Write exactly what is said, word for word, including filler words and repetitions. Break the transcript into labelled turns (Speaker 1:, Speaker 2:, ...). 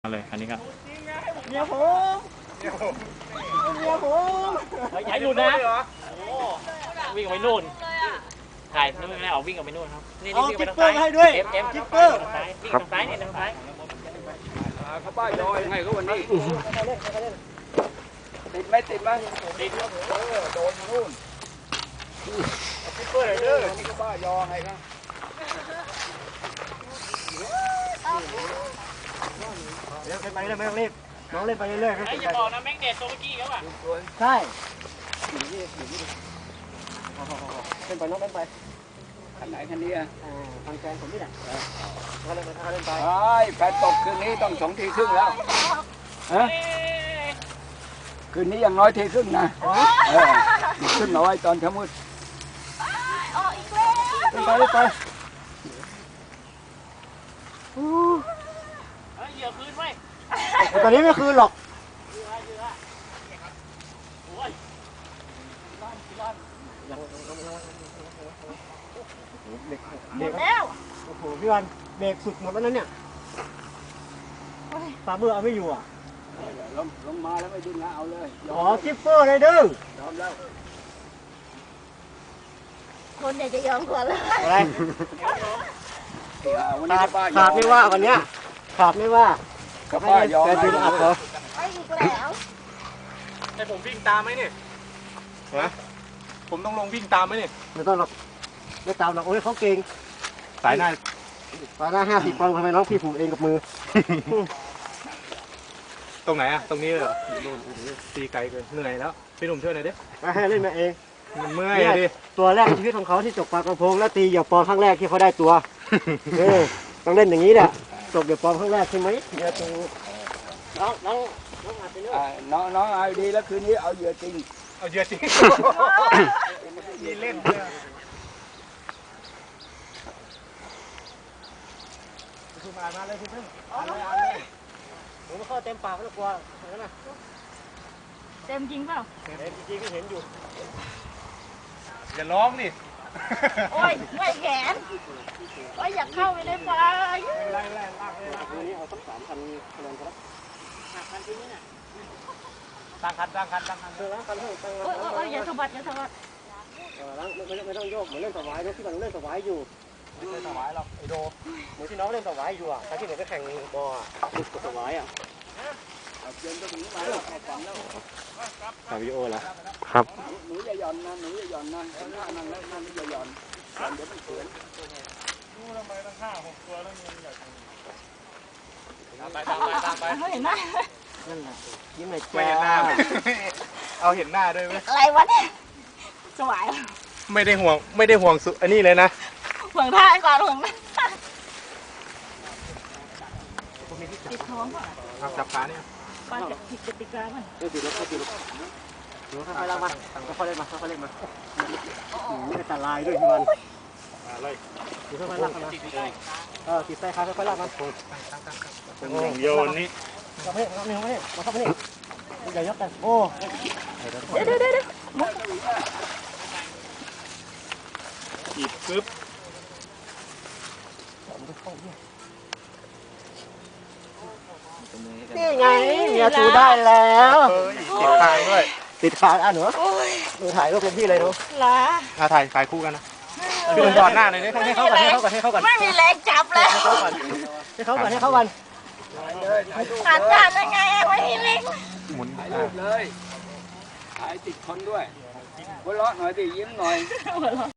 Speaker 1: มาเลยอันนี้ก็
Speaker 2: เมียผมเมียผมเมียผม
Speaker 1: อย่าหลุดนะวิ่งไปนู่นถ่ายนู่นไม่ได้ออกวิ่งออกไปนู่นครับนี่นี่วิ่งไปทางซ้าย
Speaker 2: ให้ด้วย
Speaker 1: เอ็มเอ็ม
Speaker 2: จิ๊กเกอร์
Speaker 1: วิ่งทางซ้ายนี่ทางซ้าย
Speaker 3: เขาป้ายยอยไงเขาวันนี้ติดไหมติดไหม
Speaker 1: ติด
Speaker 3: เออโดนนู่นจิ๊กเกอร์เลยเด้อที่เขาป้ายยอไงครับ
Speaker 2: เดี๋ยวไปเลยไม่ต้องรีบน้องเล่นไปเรื่อยๆครับ
Speaker 1: ไอ้อย่าบอกนะแม็กเนตตัวเมื่อกี้เขาอ่ะ
Speaker 2: ใช่เล่นไปน้องเล่นไป
Speaker 3: คันไหนคันนี้อ่ะ
Speaker 2: ทางแฟนผมนี่แหละเขาเล่นไปเขาเล่นไป
Speaker 3: ไอ้แฟนตกคืนนี้ต้องสองทีครึ่งแล้วฮะคืนนี้อย่างน้อยทีครึ่งนะเออขึ้นน้อยตอนเช้ามืด
Speaker 2: เล่นไปเล่นไป
Speaker 1: เหยื่อคืนไว้
Speaker 2: ตอนนี้ไม่คืนหรอกหมดแล้วโอ้โหพี่วันเบรกสุดหมดแล้วนั้นเนี่ยปลาเบื่อเอาไม่อยู่อ่ะ
Speaker 3: ลงลงมาแล้วไม่ดึงนะเอาเลย
Speaker 2: อ๋อจิ๊ปเปอร์เลยดึง
Speaker 3: ยอมแล้ว
Speaker 4: คนอยากจะยอมก่อนเลย
Speaker 2: อะไรขาดขาดไม่ว่าวันเนี้ยขาดไม่ว่า
Speaker 3: ก็ป้ายยอม
Speaker 2: แต่ดึงอัดเหรอ
Speaker 4: ไอ้อีกแล้ว
Speaker 1: ให้ผมวิ่งตามไหมเนี่ยฮะผมต้องลงวิ่งตามไหมเนี่ย
Speaker 2: ไม่ต้องหรอกไม่ตามหรอกโอ้ยเขาเก่ง
Speaker 1: สายหน้า
Speaker 2: สายหน้าห้าสิบปอนด์ทำไมน้องพี่ผูกเองกับมือ
Speaker 1: ตรงไหนอะตรงนี้เหรอตีไกลเกินเหนื่อยแล้วพี่หนุ่มช่วยหน่อยดิ
Speaker 2: ให้เล่นมาเอง
Speaker 1: มันเมื่อยดิ
Speaker 2: ตัวแรกในชีวิตของเขาที่จบปลากระพงแล้วตีเหยียบปอนครั้งแรกที่เขาได้ตัวเออต้องเล่นอย่างนี้แหละจบเหยียบปอนครั้งแรกใช่ไหมเดี๋ยวตัวน้องน้องน้องอาจจะเลือก
Speaker 3: น้องน้องเอาดีแล้วคืนนี้เอาเหยื่อจริง
Speaker 1: เอาเหยื่อจริงมีเล่น
Speaker 2: คือมามาเลยพี่เพิ่งมาเลยผมเข้าเต็มปากแล้วกลัวเห็นไหม
Speaker 4: เต็มจริงเปล่า
Speaker 2: เห็นจริงก็เห็นอยู่
Speaker 1: อย่าร้องดิ
Speaker 4: โอ้ยไม่แขนโอ้ยอยากเข้าไปในปลา
Speaker 2: ไล่ไล่ลากเลยลากนี้เอาสักสามพันคะแนนครับ
Speaker 1: สามพันที่นี่น่ะตั้งคันตั้งคันตั้งคัน
Speaker 2: เออตั้งคันเถอะตั้งคัน
Speaker 4: โอ้ยอย่าสะบัดอย่าสะบัด
Speaker 2: เออล้างไม่ไม่ต้องโยกเหมือนเล่นสวายนะที่มันเล่นสวายอยู่
Speaker 1: ไม่ใช่สวายหรอกไอโด
Speaker 2: เหมือนที่น้องเล่นสวายอยู่อ่ะตอนที่เหมือนก็แข่งบอลลูกสวายอ่ะ
Speaker 3: เย็นก็ถึงมาแล้วฝันแล้ว
Speaker 2: ถ่ายวิดีโอแล้ว
Speaker 1: ครับ
Speaker 3: หนูอย่าหย่อนนะหนูอย่าหย่อนนะหน้านั่งแล้วนั่งอย่าหย่อนเดี๋ยวมันเขิน
Speaker 1: ดูทำไมตั้งห้าหกตัวแล้วเงินใหญ่ตามไปตามไปตามไป
Speaker 4: เขาเห็นหน้า
Speaker 2: นั่นแหละยิ้มหน่อยจ้า
Speaker 1: ไม่เห็นหน้าเอาเห็นหน้าด้วยไหม
Speaker 4: อะไรวะเนี่ยสวาย
Speaker 1: ไม่ได้ห่วงไม่ได้ห่วงสุอันนี้เลยนะ
Speaker 4: ห่วงท่าก่อนห่วงนะติดท้องก่อน
Speaker 1: เอาจับขาเนี่ย
Speaker 4: ปลาจะผิดกติกามัน
Speaker 2: เออติดแล้วก็ติดแล้วหนูค่อยๆลากมาค่อยๆเล่นมาค่อยๆเล่นมานี่เป็นตาลายด้วยพี่วัน
Speaker 1: เลย
Speaker 2: หนูค่อยๆลากมาเออติดใส่ขาค่อยๆลากมา
Speaker 1: โยนนี่
Speaker 2: มาให้มาให้มาให้มาเข้ามาให้อย่ายกกันโอ้
Speaker 4: เดี๋ยวเดี๋ยวเดี๋ยว
Speaker 1: จีบปึ๊บ
Speaker 2: นี่ไงเนี่ยถูได้แล้ว
Speaker 1: ติดคางด้วย
Speaker 2: ติดคางอ่ะหนูหนูถ่ายรูปเป็นพี่เลยหนู
Speaker 4: ล่ะ
Speaker 1: อ่ะถ่ายถ่ายคู่กันนะพี่หนุ่มจอดหน้าหน่อยนี่
Speaker 2: ให้เขาก่อนให้เขาก่อนให้เขาก่อน
Speaker 4: ไม่มีแรงจับเลย
Speaker 2: ให้เขาก่อนให้เขาก่อนให้เขาก่อน
Speaker 4: หันกันยังไงไม่มีแรง
Speaker 1: หมุน
Speaker 3: ถ่ายรูปเลยถ่ายติดคนด้วยหัวเราะหน่อยดิยิ้มหน่อย